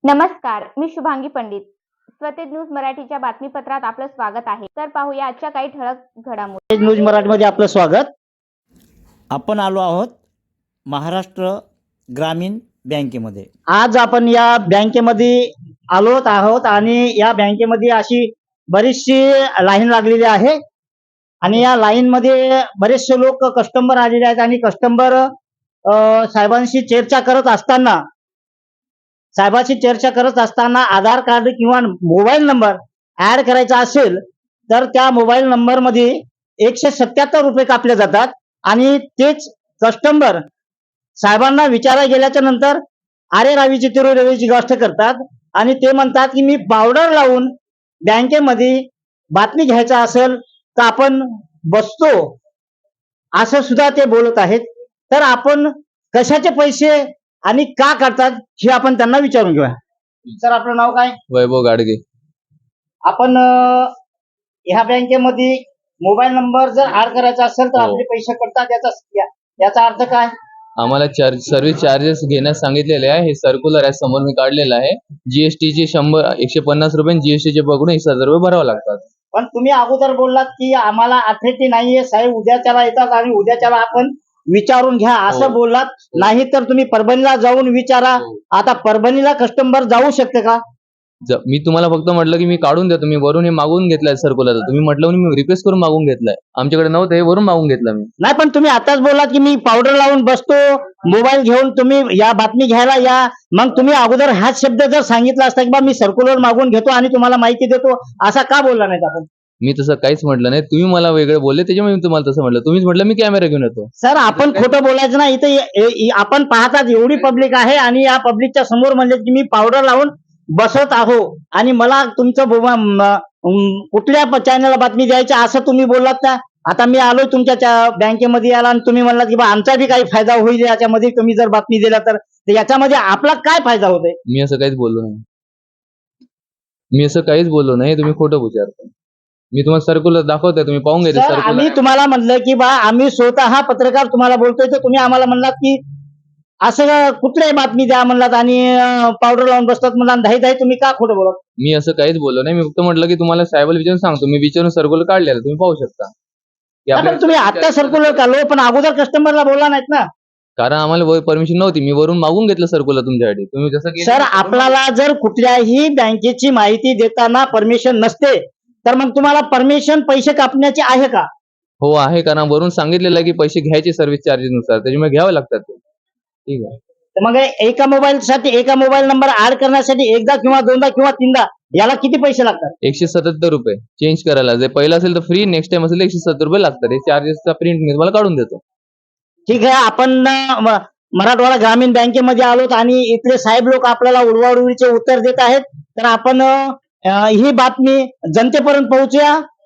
नमस्कार, मी शुभांगी पंडित. स्वतेज न्यूज मराठीच्या बातमीपत्रात आपलं स्वागत आहे. तर पाहूया आजच्या काही ठळक घडामोडी. न्यूज मराठीमध्ये आपलं स्वागत. आपण आलो आहोत महाराष्ट्र ग्रामीण बँकेमध्ये. आज आपण या बँकेमध्ये आलो आहोत आणि या बँकेमध्ये अशी बरीचशी लाईन लागलेली आहे आणि या लाईन मध्ये बरेचसे लोक कस्टमर आलेले आहेत आणि कस्टमर साहेबांशी चर्चा करत असताना आधार कार्ड किंवा मोबाईल नंबर ऍड करायचा असेल तर त्या मोबाईल नंबर मध्ये 177 रुपये कापले जातात आणि तेच कस्टमर साहेबांना विचारायला गेल्याच्या नंतर अरे रावीची तिरू रवीची गोष्ट करतात आणि ते म्हणतात की मी पावडर लावून बँकेमध्ये बातमी घ्यायचा असेल तर आपण बसतो, असं सुद्धा ते बोलत आहेत. तर आपण कशाचे पैसे आणि का करतात हे आपण त्यांना विचारून घेऊया. सर, आपलं नाव काय? वैभव गाडगे. आपण ह्या बँकेमध्ये मोबाईल नंबर जर ऍड करायचा असेल तर हो. आपले पैसे कटतात, याचा अर्थ काय? आम्हाला सर्व्हिस चार्जेस घेण्यास सांगितलेले आहे. हे सर्क्युलर आहे, समोर मी काढलेलं आहे. जीएसटीचे 150 रुपये, जीएसटीचे पकडून 1000 रुपये भरावे लागतात. पण तुम्ही अगोदर बोललात की आम्हाला अथॉरिटी नाहीये साहेब, उद्याच्याला येतात आणि उद्याच्याला आपण विचारून घ्या असं हो. बोललात. नाही तर तुम्ही परभणीला जाऊन विचारा. हो. आता परभणीला कस्टमर जाऊ शकते का? मी तुम्हाला फक्त म्हटलं की मी काढून देतो, मी वरून हे मागून घेतलंय सर्क्युलर. तुम्ही म्हटलं म्हणून मी रिक्वेस्ट करून मागून घेतलंय. आमच्याकडे नव्हतं, हे वरून मागून घेतलं मी. नाही, पण तुम्ही आताच बोललात की मी पावडर लावून बसतो, मोबाईल घेऊन तुम्ही या बातमी घ्यायला या. मग तुम्ही अगोदर हाच शब्द जर सांगितला असता की बा मी सर्क्युलर मागून घेतो आणि तुम्हाला माहिती देतो, असा का बोलला नाहीत आपण? मी तसं काहीच म्हटलं नाही. तुम्ही मला वेगळं बोलले, त्याच्यामुळे मी तुम्हाला तसं म्हटलं. तुम्हीच म्हटलं मी कॅमेरा घेऊन येतो. सर, आपण खोटं बोलायचं नाही. इथे आपण पाहतात एवढी पब्लिक आहे आणि या पब्लिकच्या समोर म्हणजे की मी पावडर लावून बसत आहो आणि मला तुमचं कुठल्या चॅनलला बातमी द्यायची असं तुम्ही बोललात ना. आता मी आलोय तुमच्या बँकेमध्ये आला आणि तुम्ही म्हणलात की बा आमचा बी काही फायदा होईल याच्यामध्ये, तुम्ही जर बातमी दिला तर याच्यामध्ये आपला काय फायदा होतोय? मी असं काहीच बोललो नाही. तुम्ही खोटं विचारता. मी तुम्हाला सर्क्युलर दाखवतोय, तुम्ही पाहून घ्या. सर, आम्ही तुम्हाला म्हणलं की बा आम्ही स्वतः पत्रकार तुम्हाला बोलतोय तर तुम्ही आम्हाला म्हणलात की असं कुठल्याही बातमी द्या म्हणलात आणि पावडर लावून बसतात म्हणला. धाई तुम्ही का खोटं बोलत? मी असं काहीच बोललो नाही. मी फक्त म्हटलं की तुम्हाला साहेबाला विचारून सांगतो. मी विचारून सर्क्युलर काढलेलं, तुम्ही पाहू शकता. की पण तुम्ही आता सर्क्युलर काढलो पण अगोदर कस्टमरला बोलला नाहीत ना. कारण आम्हाला परमिशन नव्हती. मी वरून मागून घेतलं सर्क्युलर तुमच्यासाठी. तुम्ही जसं की सर, आपल्याला जर कुठल्याही बँकेची माहिती देताना परमिशन नसते तर मग तुम्हाला परमिशन पैसे कापण्याचे आहे का? हो आहे, कारण वरून सांगितलेलं आहे की पैसे घ्यायचे सर्व्हिस चार्जेस नुसार, त्याच्यामुळे घ्यावे लागतात ते. ठीक आहे. तर मग एका मोबाईल नंबर ऍड करण्यासाठी एकदा किंवा दोनदा किंवा तीनदा याला किती पैसे लागतात? 177 रुपये चेंज करायला. जे पहिलं असेल तर फ्री, नेक्स्ट टाइम असेल 170 रुपये लागतात. हे चार्जेसचा प्रिंट मी तुम्हाला काढून देतो. ठीक आहे. आपण मराठवाडा ग्रामीण बँकेमध्ये आलोत आणि इथले साहेब लोक आपल्याला उडवाउडवीचे उत्तर देत आहेत. तर आपण ही बातमी जनतेपर्यंत पोहोचूया.